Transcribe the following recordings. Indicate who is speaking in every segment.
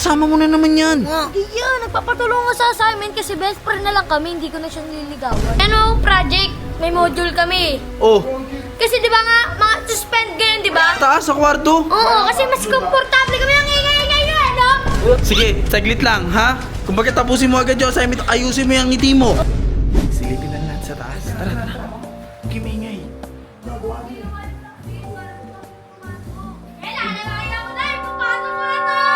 Speaker 1: kasama mo na naman yan?
Speaker 2: Hindi yan, nagpapatulong nga sa assignment kasi best friend na lang kami, hindi ko na siya nililigawan. Ano, project, may module kami.
Speaker 1: Oh,
Speaker 2: Kasi di ba nga, mga suspend ngayon, di ba?
Speaker 1: taas sa kwarto.
Speaker 2: Oo, kasi mas komportable kami ang ingay-ingay nyo, ano?
Speaker 1: Sige, saglit lang, ha? Kung bakit tapusin mo agad yung assignment, ayusin mo yung ngiti mo. Silipin lang natin sa taas. Tara, tara. Okay, maingay.
Speaker 2: Kailangan na makita mo tayo, papasok mo na to!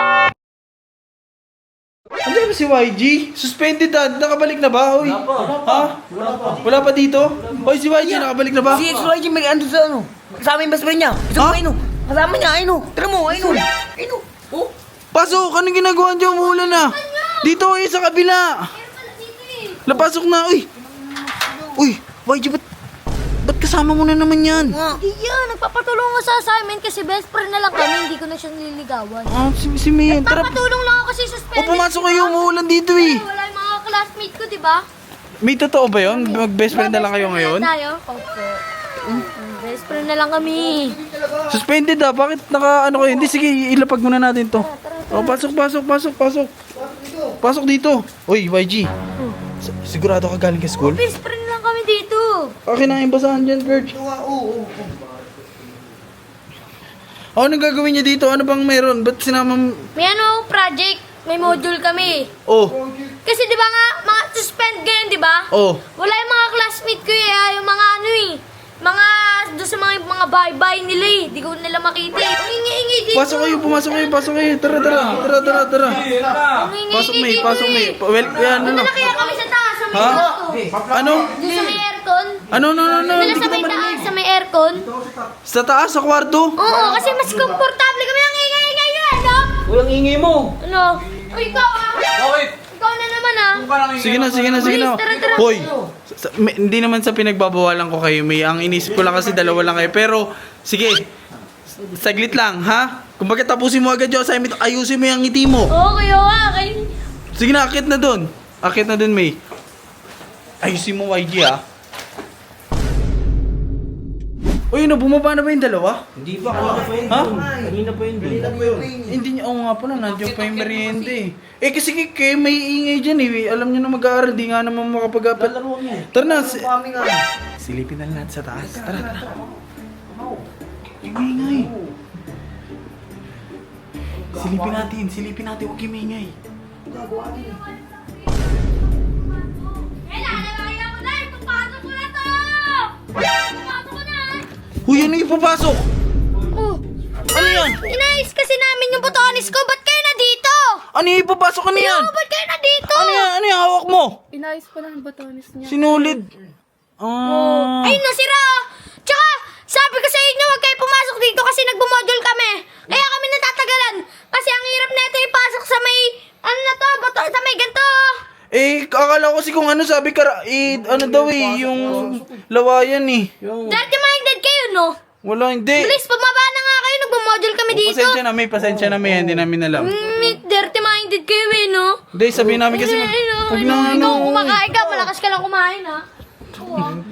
Speaker 1: Andiyan ba si YG? Suspended dad. Nakabalik na ba? Hoy. Ha? Wala pa dito? Hoy, si YG nakabalik na ba?
Speaker 3: Si XYG may ando sa ano. Kasama yung best friend niya. Gusto mo
Speaker 1: Ha?
Speaker 3: ayun. Kasama niya ayun. Tara mo ayun. Ayun. Oh.
Speaker 1: Pasok! Anong ginagawa niyo? Umuulan na. Dito, sa kabila. Lapasok na. Uy! Uy, YG, ba't kasama mo na naman yan?
Speaker 2: Hindi yan, nagpapatulong nga sa assignment kasi best friend na lang kami, hindi ko na siya nililigawan.
Speaker 1: Si Mayan. Tara.
Speaker 2: Nagpapatulong lang ako kasi suspended.
Speaker 1: Pumasok kayo. Umuulan dito eh.
Speaker 2: Wala yung mga classmate ko, di ba?
Speaker 1: May totoo ba yun? Mag-best friend na lang kayo ngayon?
Speaker 2: Tayo? Opo. Best friend na lang kami.
Speaker 1: Suspended ah. Bakit ano kayo? Hindi, sige, ilapag muna natin to. Oh, pasok. Pasok dito. Uy, YG. Sigurado ka galing ka school?
Speaker 2: Best friend lang kami dito.
Speaker 1: Akin na yung basahan dyan, Kurt. Ano gagawin niya dito? Ano bang meron? Ba't sinama
Speaker 2: May ano, project, may module kami.
Speaker 1: Oh,
Speaker 2: Kasi di ba nga, mga suspend ngayon, di ba?
Speaker 1: oh.
Speaker 2: Wala yung mga classmate ko yung mga ano mga doon sa mga bye-bye nila di ko nila makita Ang ingi-ingi dito.
Speaker 1: Pasok kayo. Tara.
Speaker 2: Ang ingi-ingi
Speaker 1: Pasok,
Speaker 2: dito
Speaker 1: May. Well, yan,
Speaker 2: Punta
Speaker 1: ano?
Speaker 2: na kaya kami sa taas, sa may
Speaker 1: Ha?
Speaker 2: auto.
Speaker 1: Ano?
Speaker 2: Doon sa may aircon.
Speaker 1: Ano?
Speaker 2: Dala
Speaker 1: Hindi
Speaker 2: sa
Speaker 1: kita
Speaker 2: may taas,
Speaker 1: marinig.
Speaker 2: sa may aircon.
Speaker 1: Sa taas, sa kwarto?
Speaker 2: Oo, kasi mas komportable kami ang ingay-ingay nyo, ano?
Speaker 3: Walang ingay mo.
Speaker 2: Ano? Uy, ikaw
Speaker 3: Bakit?
Speaker 2: Ikaw na naman
Speaker 1: Sige na.
Speaker 2: Bilis, tara.
Speaker 1: Hoy, hindi naman sa pinagbabawalan ko kayo, May. Ang inisip ko lang kasi dalawa lang kayo. Pero, sige, saglit lang, ha? Kung bakit tapusin mo agad yung assignment, ayusin mo yung ngiti mo.
Speaker 2: Okay.
Speaker 1: Sige na, akit na dun, May. Ayusin mo, YG, ha? Uy, bumaba na ba yung dalawa?
Speaker 3: Hindi pa. Kanina pa yun.
Speaker 1: Hindi niya, nga pala, nandiyan pa yung merienda eh. Kasi kay may ingay dyan eh. Alam niyo na mag-aaral, di nga naman makapag-apat. Tara na, silipin na lang natin sa taas. Tara. Yung ingay. Silipin natin, huwag yung ingay.
Speaker 2: Kailangan na makita mo tayo, papasok mo na to! Papasok ko na!
Speaker 1: Uy, ano yung papasok?
Speaker 2: Oh,
Speaker 1: Ano yan?
Speaker 2: inayos kasi namin yung botones ko, ba't kayo na dito?
Speaker 1: Ano yung papasok? Ano yan?
Speaker 2: Ba't kayo na dito?
Speaker 1: Ano yan? Ano yung hawak mo?
Speaker 2: Inayos ko lang yung botones niya.
Speaker 1: Sinulid.
Speaker 2: Ayun na, sira! Tsaka, sabi ko sa inyo, huwag kayo pumasok dito kasi nagbumodule kami. Kaya kami natatagalan. Kasi ang hirap na ito ipasok sa may, sa may ganito.
Speaker 1: Akala ko kasi kung ano sabi ka, ano daw yung lawayan eh.
Speaker 2: Dirty-minded kayo, no?
Speaker 1: Wala, hindi.
Speaker 2: Please, pumaba na nga kayo, nagbumodule kami dito.
Speaker 1: Pasensya na may, hindi namin alam.
Speaker 2: Dirty-minded kayo, no?
Speaker 1: Hindi, sabihin namin kasi,
Speaker 2: Ikaw
Speaker 1: huwag na
Speaker 2: kumakain ka, malakas ka lang kumain, ha?